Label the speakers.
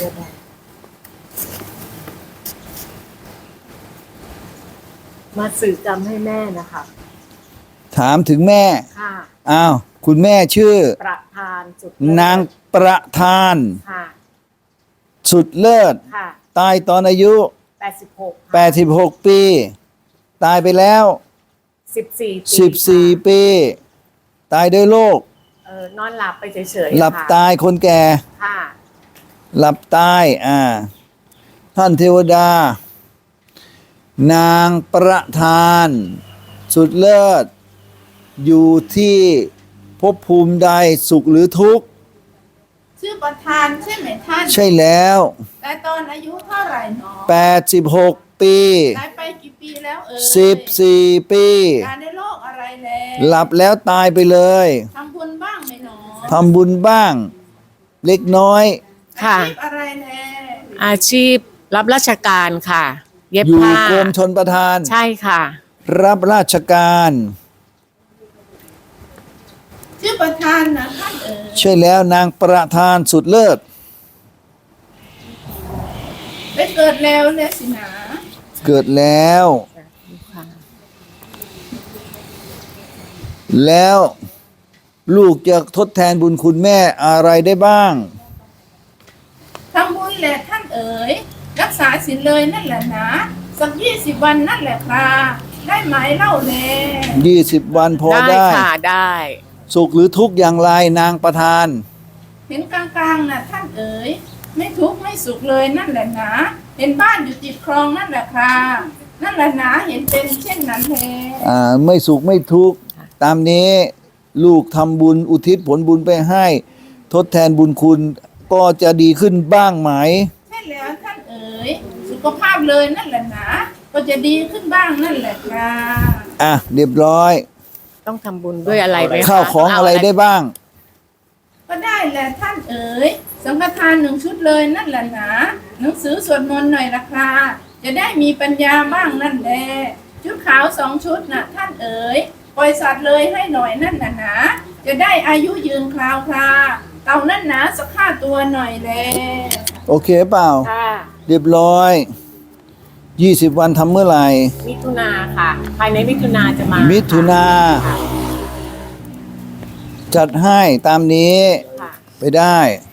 Speaker 1: ได้มาสื่อกรรมให้แม่นะคะ
Speaker 2: ถามถึงแม่
Speaker 1: ค่ะ
Speaker 2: อ้าวคุณแม่ชื่อ
Speaker 1: ประธานสุด
Speaker 2: นางประธาน
Speaker 1: ค่ะ
Speaker 2: สุดเลิศ
Speaker 1: ค่ะ
Speaker 2: ตายตอนอายุ
Speaker 1: 86
Speaker 2: ปีตายไปแล้ว
Speaker 1: 14
Speaker 2: ปีตายด้วยโรคน
Speaker 1: อนหลับไปเฉยๆ
Speaker 2: หลับตายคนแก่
Speaker 1: ค่ะ
Speaker 2: หลับตายท่านเทวดา นางประธานสุดเลิศอยู่ที่ภพภูมิใดสุขหรือทุกข์
Speaker 3: ชื่อประธานใช่ไหมท่าน
Speaker 2: ใช่แล้ว
Speaker 3: แต่ตอนอายุเท่าไหร่หนอ
Speaker 2: 86 ปี
Speaker 3: ตายไปกี่ปีแล้ว
Speaker 2: 14 ปี
Speaker 3: ตายในโรคอะไรแล้ว
Speaker 2: หลับแล้วตายไปเลย
Speaker 3: ทำบุญบ้างไหมหนอ
Speaker 2: ทำบุญบ้างเล็กน้อย
Speaker 1: ค่ะ
Speaker 3: อาชีพอะไรแล้ว
Speaker 1: อาชีพรับราชการค่ะเย็บ
Speaker 2: อยู่
Speaker 1: ผ้าก
Speaker 2: รมชลประทาน
Speaker 1: ใช่ค่ะ
Speaker 2: รับราชการ
Speaker 3: ชื่อประธานนะท่าน
Speaker 2: ใช่แล้วนางประธานสุดเลิศ
Speaker 3: ไปเกิดแล้วเนี่ยสินะ
Speaker 2: เกิดแล้วแล้วลูกจะทดแทนบุญคุณแม่อะไรได้บ้าง
Speaker 3: ทำบุญแหละท่านรักษาศีลเลยนั่นแหละนะสัก20 วันนั่นแหละค่ะได้ไหมเล่าแล
Speaker 2: 20 วันพอได้
Speaker 1: ค่ะได้
Speaker 2: สุขหรือทุกข์อย่างไรนางประธาน
Speaker 3: เห็นกลางๆนะท่านไม่ทุกข์ไม่สุขเลยนั่นแหละนะเห็นบ้านอยู่ติดคลองนั่นแหละค่ะนั่นแหละนะเห็นเป็นเช่นนั้นแล
Speaker 2: ไม่สุขไม่ทุกข์ตามนี้ลูกทำบุญอุทิศผลบุญไปให้ทดแทนบุญคุณก็จะดีขึ้นบ้างไหม
Speaker 3: ใช่แล้วท่านสุขภาพเลยนั่นแหละนะก็จะดีขึ้นบ้างนั่นแหละค่ะ
Speaker 2: เรียบร้อย
Speaker 1: ต้องทำบุญด้วยอะไรไหม
Speaker 2: ข้าวของอะไรได้บ้าง
Speaker 3: ก็ได้แหละท่านสังฆทาน1 ชุดเลยนั่นแหละนะหนังสือสวดมนต์หน่อยละค่ะจะได้มีปัญญาบ้างนั่นแหละชุดขาว2 ชุดนะท่านปล่อยสัตว์เลยให้หน่อยนั่นน่ะนะจะได้อายุยืนคราวคราเต่านั่นนะสัก5 ตัวหน่อยเลย
Speaker 2: โอเคเปล่าเรียบร้อย20 วันทำเมื่อไหร่
Speaker 1: มิถุนาค่ะภายในมิถุนาจะมา
Speaker 2: มิถุนาจัดให้ตามนี้ไปได้